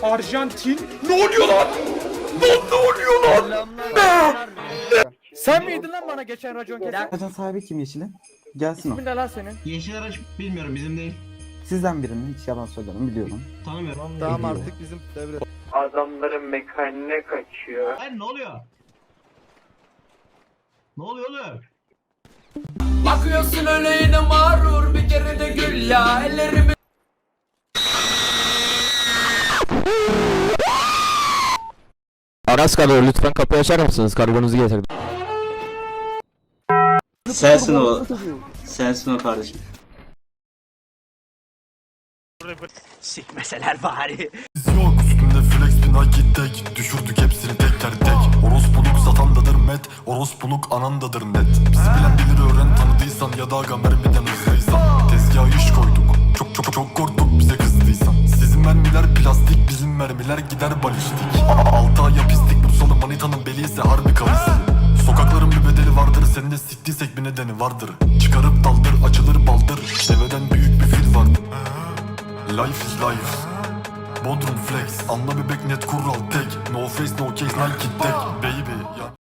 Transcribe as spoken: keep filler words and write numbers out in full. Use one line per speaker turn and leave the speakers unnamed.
Arjantin. Ne oluyor lan? Lan ne oluyor lan?
Sen miydin lan bana geçen racon kesen?
Aracın sahibi kim Yeşil'in? Gelsin o.
İsmin ne lan senin?
Yeşil araç bilmiyorum, bizim değil.
Sizden birinin, hiç yalan söylemem, biliyorum.
Tanımıyorum.
Tamam artık bizim devre.
Adamların mekaniğine kaçıyor.
Hayır, ne oluyor? Ne oluyor oğlum?
Bakıyorsun öyle yine mağrur, bir kere de gül ya ellerimi.
Aras kalıyor, lütfen kapıyı açar mısınız? Kargonuzu getirdim.
Sensin o. Sensin o kardeşim.
Sikmeseler bari.
Yok üstümde flex bir Nike tek. Düşürdük hepsini teker tek. Orospuluk satandadır met. Orospuluk anandadır net. Bizi bilen bilir, öğren tanıdıysan ya da aga mermiden hızlıysan. Tezgaha iş koyduk. Çok çok çok korktuk bize kızdıysan. Sizin mermiler plastik, bizim mermiler gider balistik. Altı ay yapistik, Bursalı manitanın beli ise harbi kavisi. Sokakların bir bedeli vardır, sen de siktiysek bir nedeni vardır. Çıkarıp daldır, açılır baldır. Deveden büyük bir fil vardır. Life is life. Bodrum flex, anla bebek net kural tek. No face no case Nike tek. Baby ya.